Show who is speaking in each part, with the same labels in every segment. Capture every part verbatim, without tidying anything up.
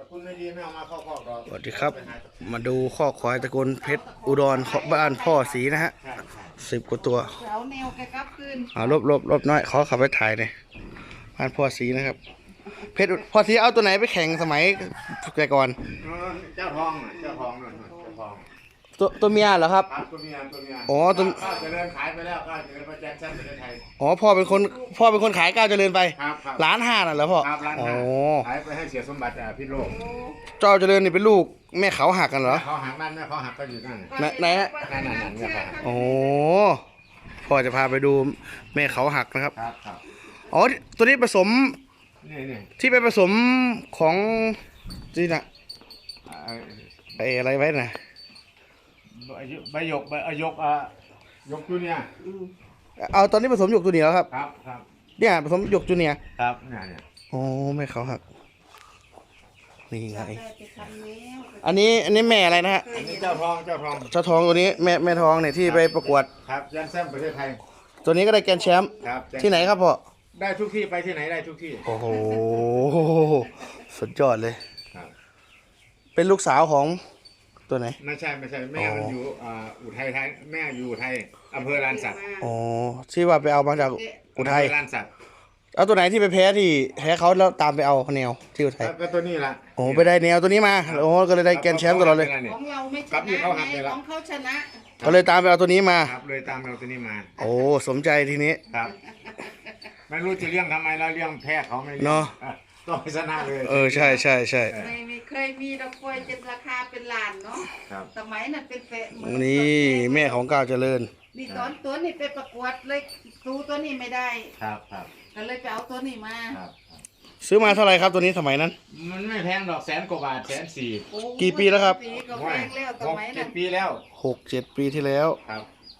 Speaker 1: คุณไม่ดีไม่เอามาเข้าคอกหรอก
Speaker 2: สวัสดีครับ มาดูข้อควายตระกูลเพชรอุดรบ้านพ่อสีนะฮะสิบกว่าตัว
Speaker 3: เอาแนวแกกลับคืน
Speaker 2: เอาลบลบลบน้อยขอขับไปถ่ายหน่อยบ้านพ่อสีนะครับ เพชรพ่อสีเอาตัวไหนไปแข่งสมัยแต่ก่อน
Speaker 1: เจ้าทองน่ะเจ้าทองนั่นน่ะเจ้าทอง
Speaker 2: ตัวตัวเมียเหรอครับ
Speaker 1: ครับตัวเมียตัวเมีย
Speaker 2: อ๋อตัว
Speaker 1: ข้าวเจริญขายไปแล้วข้าวเจริญมาแจ้งแจ้งประเทศไทย
Speaker 2: อ๋อพ่อเป็นคนพ่อเป็นคนขายก้าวเจริญไป
Speaker 1: ครับครับ
Speaker 2: ล้านห้าน่ะเหรอพ่อ
Speaker 1: ครับร้าน
Speaker 2: อ๋อ
Speaker 1: ขายไปให้เสียสมบัติอ่ะพิษโลก
Speaker 2: เจ้าเจริญนี่เป็นลูกแม่เขาหักกันเหรอ
Speaker 1: เขาหักนั่นแม่เขาหักก็อยู่นั่น
Speaker 2: ไหนไหนฮะ
Speaker 1: นั่นนั่นนั่นเนี่ยครับ
Speaker 2: โอ้พ่อจะพาไปดูแม่เขาหักนะครับ
Speaker 1: ครับครับ
Speaker 2: อ๋อตัวนี้ผสม
Speaker 1: นี่นี่
Speaker 2: ที่ไปผสมของนี่นะ
Speaker 1: อ่า
Speaker 2: ไอ้อะไรไว้นะ
Speaker 1: ใบหยกใบหยกใบอ่ะหยกอ่ะหยกตัวเนี้ย
Speaker 2: เอาตอนนี้ผสมหยกตัวเหนียวครับ
Speaker 1: ครับครับ
Speaker 2: เนี่ยผสมหยกตัวเหนียว
Speaker 1: ครับเนี่ยเนี่ย
Speaker 2: โอ้แม่เขาหักนี่ไง
Speaker 3: ได้ไปทำแนว
Speaker 2: อันนี้อันนี้แม่อะไรนะฮะ
Speaker 1: อันนี้เจ้าทองเจ้าทอง
Speaker 2: เจ้าทองตัวนี้แม่แม่ทองเนี่ยที่ไปประกวด
Speaker 1: ครับแจ้งแซมประเทศไทย
Speaker 2: ตัวนี้ก็ได้แกรนด์แชมป์
Speaker 1: ครับ
Speaker 2: ที่ไหนครับพ่อ
Speaker 1: ได้ทุกที่ไปที่ไหนได้ทุกที่
Speaker 2: โอ้โหสุดยอดเลย
Speaker 1: ครับ
Speaker 2: เป็นลูกสาวของตัวไหน
Speaker 1: ไม่ใช่ไม่ใช่แม่
Speaker 2: อ๋อ
Speaker 1: มันอยู่อ่าอุทัยไทยแม่อยู่อุทัยอำเภอลานสัก
Speaker 2: อ๋อที่ว่าไปเอามาจากอุทัย
Speaker 1: อำเภอลานสัก
Speaker 2: เอาตัวไหนที่ไปแพ้ที่แพ้เขาแล้วตามไปเอาแนวที่อุทัย
Speaker 1: ก็ตัวนี้ละ
Speaker 2: โอ้ไปได้แนวตัวนี้มาโอ้ก็เลยได้แกรนด์แชมป์ตลอดเลย
Speaker 3: ของเราไม่ช
Speaker 1: กับนี่
Speaker 3: นะ
Speaker 1: เขาหัก
Speaker 3: ไง
Speaker 1: เลยละ
Speaker 3: ของเขาชนะ
Speaker 2: ก็เลยตามไปเอาตัวนี้มา
Speaker 1: ครับเลยตามเราตัวนี้มา
Speaker 2: โอ้สมใจทีนี้
Speaker 1: ครับไม่รู้จะเลี้ยงทำไมแล้วเลี้ยงแพ้เขาไม่เลี้ยง
Speaker 2: เนอะ
Speaker 1: อ่ต้องชนะเลย
Speaker 2: เออใช่ใช่ใช่
Speaker 3: ไม่ไม่เคยมีดอกกล้วยจนราคาเป็นล้านเนาะ
Speaker 1: ครับ
Speaker 3: สมัยนั้นเป็นแปะหมื่
Speaker 2: นี่แม่ของก้าวเจริญ
Speaker 3: นี่ตอนตัวนี้ไปประกวดเลยตูตัวนี้ไม่ได้
Speaker 1: ครับครับ
Speaker 3: ก็เลยไปเอาตัวนี้มา
Speaker 1: ครับ
Speaker 2: ซื้อมาเท่าไหร่ครับตัวนี้สมัยนั้น
Speaker 1: มันไม่แพงดอกแสนกว่าบาทแสนสี่
Speaker 3: โอ้
Speaker 2: กี่ปีแล้วครับ
Speaker 3: ปีก็แพงแล้วส
Speaker 1: หก
Speaker 3: มัย
Speaker 1: เจ็
Speaker 3: นั้
Speaker 1: ด
Speaker 3: น
Speaker 1: ปีแล้ว
Speaker 2: หกเจ็ดปีที่แล้ว
Speaker 1: ครับ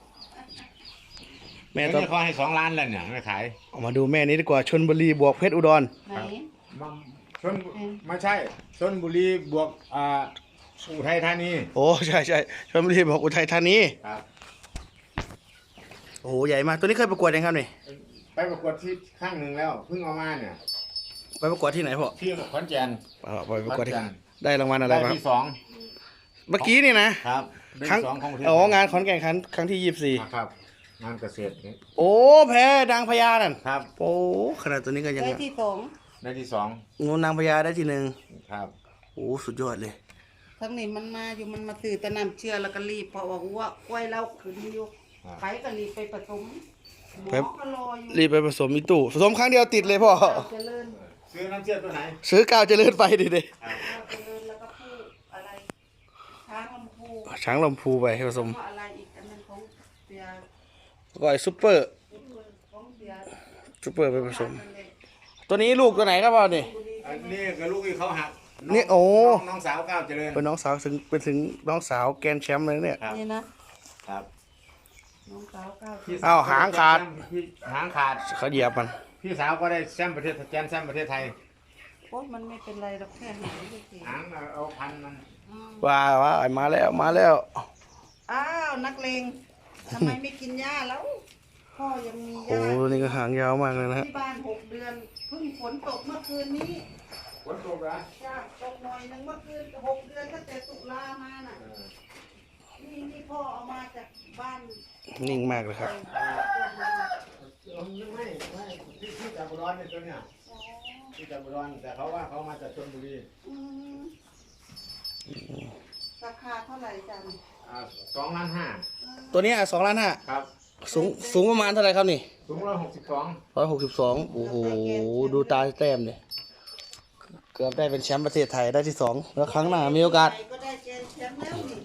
Speaker 2: แม่
Speaker 1: แม่
Speaker 2: ต้อง
Speaker 1: เขาให้สองล้านแล้วเนี่ยไม่ขาย
Speaker 2: เอามาดูแม่นี้ดีกว่าชนบุรีบวกเพชรอุดร
Speaker 3: ไหน
Speaker 1: มันชนไม่ใช่ชนบุรีบวกอ่าอุทัยธานี
Speaker 2: โอ้ใช่ใช่ชนบุรีบวกอุทัยธานี
Speaker 1: ครับ
Speaker 2: โอ้โหใหญ่มากตัวนี้เคยประกวดยังครับนี่
Speaker 1: ไปประกวดที่ข้างหนึ่งแล้วเพิ่งเอามาเนี่ย
Speaker 2: ไปประกวดที่ไหนพ่อ
Speaker 1: ที่ขอนแก่น
Speaker 2: เอาไปประกวดที่
Speaker 1: ขอนแก่น
Speaker 2: ได้รางวัลอะไร
Speaker 1: ได้
Speaker 2: บ้าง
Speaker 1: ที่สอง
Speaker 2: เมื่อกี้นี่นะครับ
Speaker 1: ได้
Speaker 2: ครั้ง
Speaker 1: ที่สองของประเทศ
Speaker 2: อ๋องานขอนแก่นครั้งครั้งที่ยี่สิบสี่
Speaker 1: ครับงานเกษตรนี่
Speaker 2: โอ้แพ้นางพญานั่น
Speaker 1: ครับ
Speaker 2: โอ้ขนาดตัวนี้ก็ยัง
Speaker 3: ได้ที่สอง
Speaker 1: ได้ที่สอง
Speaker 2: งูนางพญาได้ที่หนึ่ง
Speaker 1: ครับ
Speaker 2: โอ้สุดยอดเลย
Speaker 3: ทั้งนี้มันมาอยู่มันมาตื่นแต่น้ำเชื่อแล้วก็รีบเพราะว่าหัวกล้วยเราขึ้นอยู่ไปก็รีบไปผสมหมอก็รออยู่
Speaker 2: รีบไปผสมอีตู้ผสมครั้งเดียวติดเลยพ่อ
Speaker 3: เราเจริญ
Speaker 1: ซื้อน้ำเชื่อตัวไหน
Speaker 2: ซื้อก้าวเจริญไปดิเด้
Speaker 3: เราเจริญแล้วก็พูดอะไรช้างลำพู
Speaker 2: ช้างลำพูไปให้ผสม
Speaker 3: ก็อะไรอีกอันนั้นของเสีย
Speaker 2: ก็ไอ้ซุปเปอร์
Speaker 3: ของเสีย
Speaker 2: ซุปเปอร์ไปผสม ตัวนี้ลูกตัวไหนครับพ่อนี่
Speaker 1: อันนี้กับลูกที่เขาหัก
Speaker 2: นี่โอ้
Speaker 1: น้งน้องสาวก้าวเจริญ
Speaker 2: เป็นน้องสาวถึงเป็นถึงน้องสาวแกรนด์แชมป์เลยเนี่ย
Speaker 1: ครับ
Speaker 3: นี่นะครับ น้องสาวก้าว
Speaker 1: พี่
Speaker 2: อ้าวหางขาด
Speaker 1: พี่หางขาด
Speaker 2: เขาเหยียบมัน
Speaker 1: พี่สาวก็ได้แชมป์ประเทศแชมป์แชมป์ประเทศไทย
Speaker 3: โอ้มันไม่เป็นไรหรอกแค่หางเฉย
Speaker 1: หางเอาพันมัน
Speaker 3: ๆอืม
Speaker 2: ว้าว้าไอ้มาแล้วมาแล้ว
Speaker 3: อ้าวนักเลงทำไมไม่กินหญ้าแล้วพ่อยังมีห
Speaker 2: โอ้
Speaker 3: ญ้า
Speaker 2: ตัวนี้ก็หางยาวมากเลยนะฮะ
Speaker 3: ที่บ้านหกเดือนเพิ่งฝนตกเมื่อคืนนี้
Speaker 1: ฝนตกเหรอ
Speaker 3: จ้าตกหน่อยหนึงเมื่อคืนหกเดือนตั้งแต่ตุลามาน่ะนี่นี่พ่อเอามาจากบ้าน
Speaker 2: นิ่งมากเลยครับ
Speaker 1: ไม่ไม่ที่ที่จากบุรีเนี่ยตัวเนี้ยที่จากบุรีแต่เขาว่าเขามาจากชลบุรี
Speaker 3: อืมราคาเท่าไหร่จัน
Speaker 1: อ่าสองล้านห้า
Speaker 2: ตัวนี้สองล้านห้า
Speaker 1: ครับ
Speaker 2: สูงสูงประมาณเท่าไหร่ครับนี่
Speaker 1: สูงร้อยหกสิบสอง
Speaker 2: ร้อยหกสิบสองโอ้โหดูตาแต้มเนี่ยเกือบได้เป็นแชมป์ประเทศไทยได้ที่สองแล้วครั้งหน้ามีโอกาส
Speaker 3: ก็ได้เกณฑ์แชมป์แล้วนี่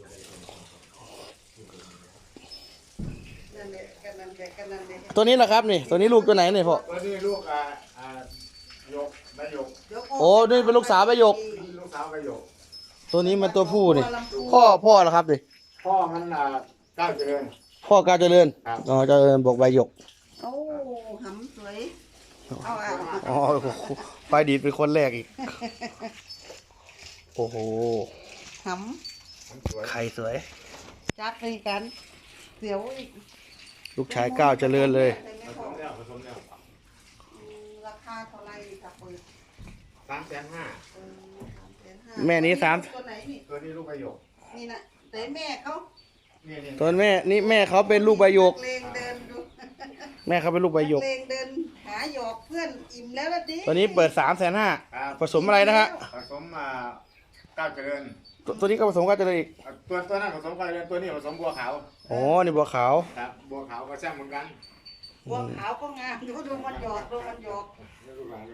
Speaker 3: นั่นแหละกันนั่นแหละกันนั่นแหละ
Speaker 2: ตัวนี้แหละครับนี่ตัวนี้ลูกตัวไหนเนี่ยพ่อ
Speaker 1: ตัวนี้ลูกอ่าอ่าหยกใบหยก
Speaker 3: เดี๋ยว
Speaker 2: โอ้นี่เป็นลูกสาวใบหยก
Speaker 1: ลูกสาวใบหยก
Speaker 2: ตัวนี้มันตัวผู้นี่พ่อพ่อเหรอครับดิ
Speaker 1: พ่อมันอ่าก้าวเจริญ
Speaker 2: พ่อกาวเจริญ
Speaker 1: ครับ
Speaker 2: อ๋อเจริญบอกใบหยก
Speaker 3: โอ้หำสวยเอาอ่ะ
Speaker 2: อ๋อไฟดีดเป็นคนแรกอีกโอ้โห
Speaker 3: ห
Speaker 1: มันสวย
Speaker 2: ไข่สวย
Speaker 3: ำจัดไปกันเสียวอีก
Speaker 2: ลูกชายก้าวเจริญเลย
Speaker 3: แต่ไม่
Speaker 1: ผ
Speaker 3: พ
Speaker 1: ส
Speaker 3: อ
Speaker 1: มแล้วผสมแล้ว
Speaker 3: อืมราคาเท่าไหร่จะเปิด
Speaker 1: สามแสนห้า
Speaker 3: เออสามแสนห้า
Speaker 2: แม่นี้สาม
Speaker 3: ตัวไหนนี่
Speaker 1: ตัวนี้ลูกประโยค
Speaker 3: นี่นะแต่แม่เขา
Speaker 1: นี่นี่
Speaker 2: ตัวแม่นี่แม่เขาเป็นลูกใบหยก
Speaker 3: นัเลงเดินดู
Speaker 2: แม่เขาเป็นลูกใบหยก
Speaker 3: นัเลงเดินหาหยอกเพื่อนอิ่มแล้วละดิ
Speaker 2: ตัวนี้เปิดสามแสนห้า
Speaker 1: ครับ
Speaker 2: ผสมอะไรนะฮะ
Speaker 1: ผสมอ่าก้าวเจริญ
Speaker 2: ตัวตัวนี้ก็ผสมกันจะเลยอีก
Speaker 1: อ่ะตัวตัวนั้นผสมก้าวเจริญตัวนี้ผสมบัวขาว
Speaker 2: อ๋อนี่บัวขาว
Speaker 1: ครับบัวขาวก็แซ่บเหมือนกัน
Speaker 3: บัวขาวก็งามดูดูมันหยอกดูมันหยอก
Speaker 1: นี่ลูกหลานเลย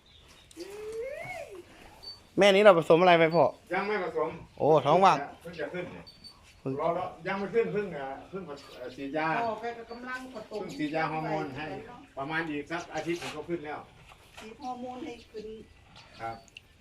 Speaker 2: แม่นี้เราผสมอะไรไปพ่อ
Speaker 1: ยังไม่ผสม
Speaker 2: โอ้ท้องว่าง
Speaker 1: เพิ่งจะขึ้นเนี่ย
Speaker 2: เพิ่ง
Speaker 1: รอรอยังไม่ขึ้นเพิ่งอ่ะเพิ่งเอ่อฉีดยา
Speaker 3: พ่อแกก็กำลังผสม
Speaker 1: เพิ่งฉีดยาฮอร์โมนให้ประมาณอีกสักอาทิตย์หนึ่งก็ขึ้นแล้ว
Speaker 3: ฉีดฮอร์โมนให้ขึ้น
Speaker 1: ครับ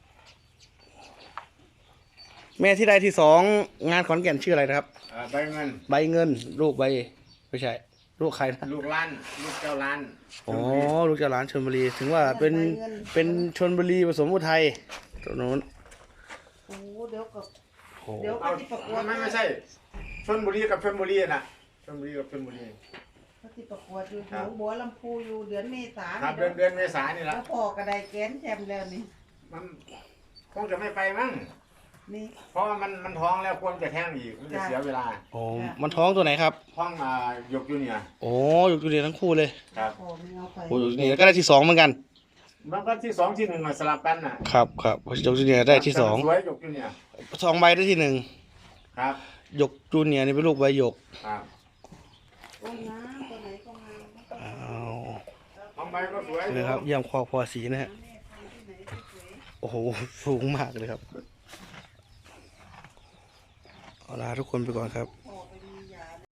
Speaker 2: แม่ที่ได้ที่สองงานขอนแก่นชื่ออะไรนะครับ
Speaker 1: เอ่อใบเงิน
Speaker 2: ใบเงิน ลูกใบไม่ใช่ ลูกใครนะ
Speaker 1: ลูกล้านลูกเจ้าล้าน
Speaker 2: อ๋อลูกเจ้าหลานชลบุรีถึงว่าเป็นเป็นชลบุรีผสมอุทัยตัวนู้น
Speaker 3: โอ้เดี๋ยวกับ
Speaker 2: โอ้
Speaker 3: เดี๋ยว
Speaker 1: เอา
Speaker 3: ก็ที่ประกวด
Speaker 1: ไม่ไม่ใช่ชลบุรีกับชลบุรีน่ะชลบุรีกับชลบุรี
Speaker 3: ก็ที่ประกวดอยู่หนองบัวลำพูอยู่เดือนเมษา
Speaker 1: ครับเดือนเดือนเมษายนนี่แห
Speaker 3: แล้
Speaker 1: ละ
Speaker 3: วพ่อกระไดแกนแชมป์แล้วนี่
Speaker 1: มันคงจะไม่ไปมั้ง
Speaker 3: นี่
Speaker 1: เพราะว่ามันมันท้องแล้วควรจะแท้งอีกมันจะเสียเวลา
Speaker 2: โอ้มันท้องตัวไหนครับ
Speaker 1: ท้องมาหยกอยู่เนี่ย
Speaker 2: โอ้อยู่ตัวเดียวทั้งคู่เลย
Speaker 1: ครับ
Speaker 3: พ่อไม่เอาไป
Speaker 2: โอ้อยู่นี่ก็ได้ที่สองเหมือนกัน
Speaker 1: มันก็ที่สองที่หนึ่งน่ะสลับกันน่ะ
Speaker 2: ครับครับยกจูเนียร์ได้ที่สอง
Speaker 1: สวยหยกอยู่เนี่ย
Speaker 2: สองใบได้ที่หนึ่ง
Speaker 1: ครับ
Speaker 2: ยกจูเนียร์นี่เป็นลูกใบหยก
Speaker 1: ครับ
Speaker 3: โอ้งามตัวไหนก็งาม
Speaker 2: อ้าว
Speaker 1: ท้องใบก็สวย
Speaker 2: เลยครับเยี่ยมคอพอสีนะฮะ
Speaker 3: แม่พันธุ์ที่ไหนที่สวย
Speaker 2: โอ้โหสูงมากเลยครับเอาลาทุกคนไปก่อนครับ